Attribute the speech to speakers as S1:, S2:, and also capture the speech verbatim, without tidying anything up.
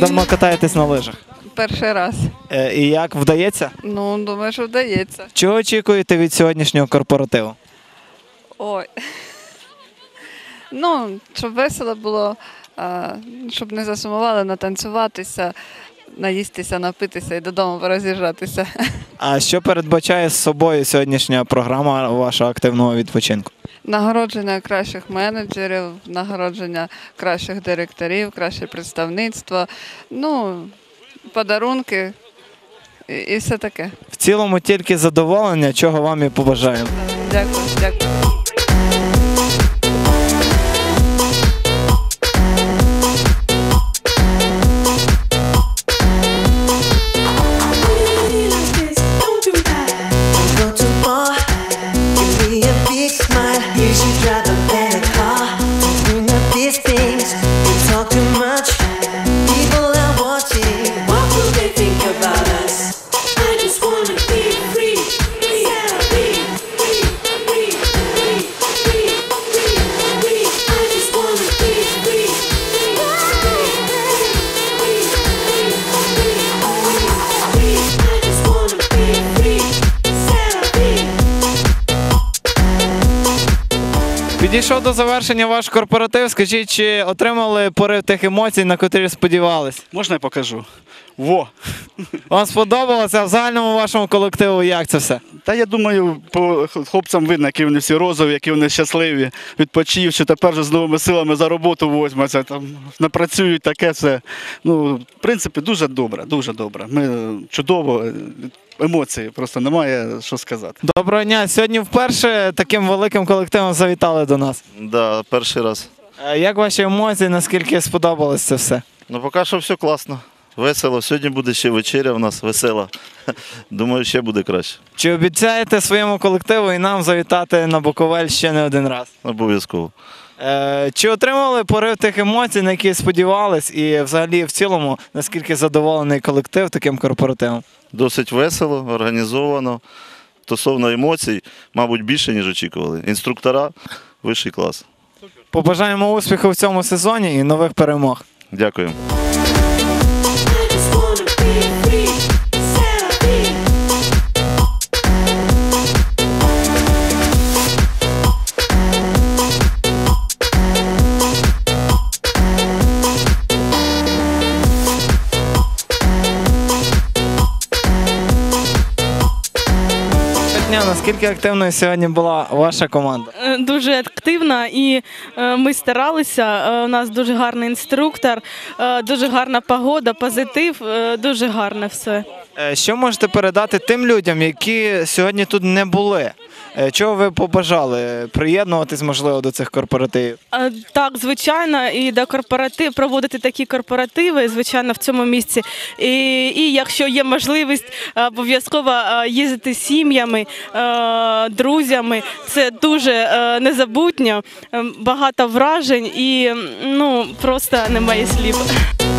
S1: давно катаєтесь на лижах?
S2: Перший раз.
S1: Е, І як, вдається?
S2: Ну, думаю, що вдається.
S1: Чого очікуєте від сьогоднішнього корпоративу?
S2: Ой. Ну, щоб весело було, а, щоб не засумували, натанцюватися, наїстися, напитися і додому пороз'їжджатися.
S1: А що передбачає з собою сьогоднішня програма вашого активного відпочинку?
S2: Нагородження кращих менеджерів, нагородження кращих директорів, краще представництво, ну, подарунки і, і все таке.
S1: В цілому тільки задоволення, чого вам і побажаємо.
S2: Дякую, дякую.
S1: Підійшов до завершення ваш корпоратив. Скажіть, чи отримали порив тих емоцій, на котрі сподівались?
S3: Можна я покажу? Во!
S1: Вам сподобалося? А в загальному вашому колективу як це все?
S3: Та я думаю, по хлопцям видно, які вони всі розові, які вони щасливі, відпочивши, тепер вже з новими силами за роботу возьмуться, там напрацюють таке все. Ну, в принципі, дуже добре, дуже добре. Ми чудово, емоції, просто немає що сказати.
S1: Доброго дня. Сьогодні вперше таким великим колективом завітали до нас.
S4: Да, перший раз.
S1: Е, Як ваші емоції, наскільки сподобалось це все?
S4: Ну, поки що все класно. Весело. Сьогодні буде ще вечеря у нас весела. Думаю, ще буде краще.
S1: Чи обіцяєте своєму колективу і нам завітати на Буковель ще не один раз?
S4: Обов'язково.
S1: Е, Чи отримали порив тих емоцій, на які сподівались? І взагалі в цілому, наскільки задоволений колектив таким корпоративом?
S4: Досить весело, організовано. Стосовно емоцій, мабуть, більше, ніж очікували. Інструктора – вищий клас.
S1: Побажаємо успіху в цьому сезоні і нових перемог.
S4: Дякую.
S1: Наскільки активною сьогодні була ваша команда?
S5: Е, Дуже активна і е, ми старалися. Е, У нас дуже гарний інструктор, е, дуже гарна погода, позитив, е, дуже гарне все.
S1: Е, Що можете передати тим людям, які сьогодні тут не були? Е, Чого ви побажали? Приєднуватись, можливо, до цих корпоративів?
S5: Е, Так, звичайно, і до корпоратив проводити такі корпоративи, звичайно, в цьому місці. І, і якщо є можливість, обов'язково е, їздити з сім'ями, е, друзями. Це дуже е, незабутньо, е, багато вражень і ну просто немає слів.